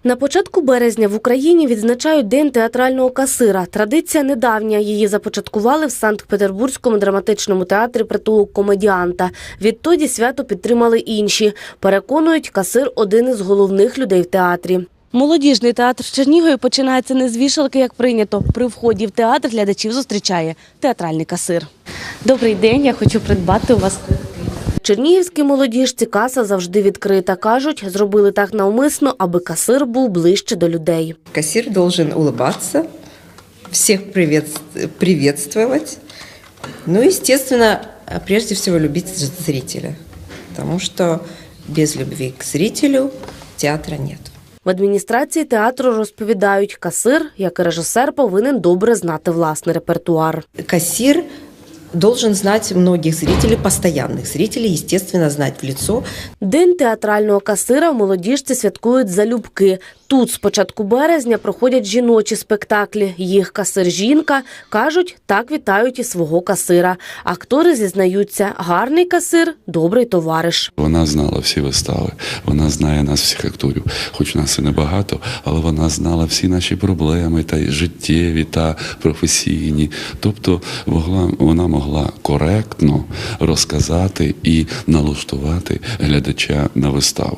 На початку березня в Україні відзначають День театрального касира. Традиція недавня. Її започаткували в Санкт-Петербурзькому драматичному театрі «Притулок комедіанта». Відтоді свято підтримали інші. Переконують, касир – один із головних людей в театрі. Молодіжний театр в Чернігові починається не з вішалки, як прийнято. При вході в театр глядачів зустрічає театральний касир. Добрий день, я хочу придбати у вас квитки. Чернігівській молодіжці каса завжди відкрита. Кажуть, зробили так навмисно, аби касир був ближче до людей. Кассир должен улыбаться, всех приветствовать. Ну, естественно, прежде всего любить зрителя, потому что без любви к зрителю театра нет. В адміністрації театру розповідають, касир, як і режисер, повинен добре знати власний репертуар. Кассир должен знать многих зрителей, постоянных зрителей, естественно, знать в лицо. День театрального касира в молодіжці святкують залюбки. Тут з початку березня проходять жіночі спектаклі. Їх касир-жінка. Кажуть, так вітають і свого касира. Актори зізнаються, гарний касир – добрий товариш. Вона знала всі вистави, вона знає нас всіх акторів. Хоч нас і небагато, але вона знала всі наші проблеми, та й життєві, та професійні. Тобто вона могла коректно розказати і налаштувати глядача на виставу.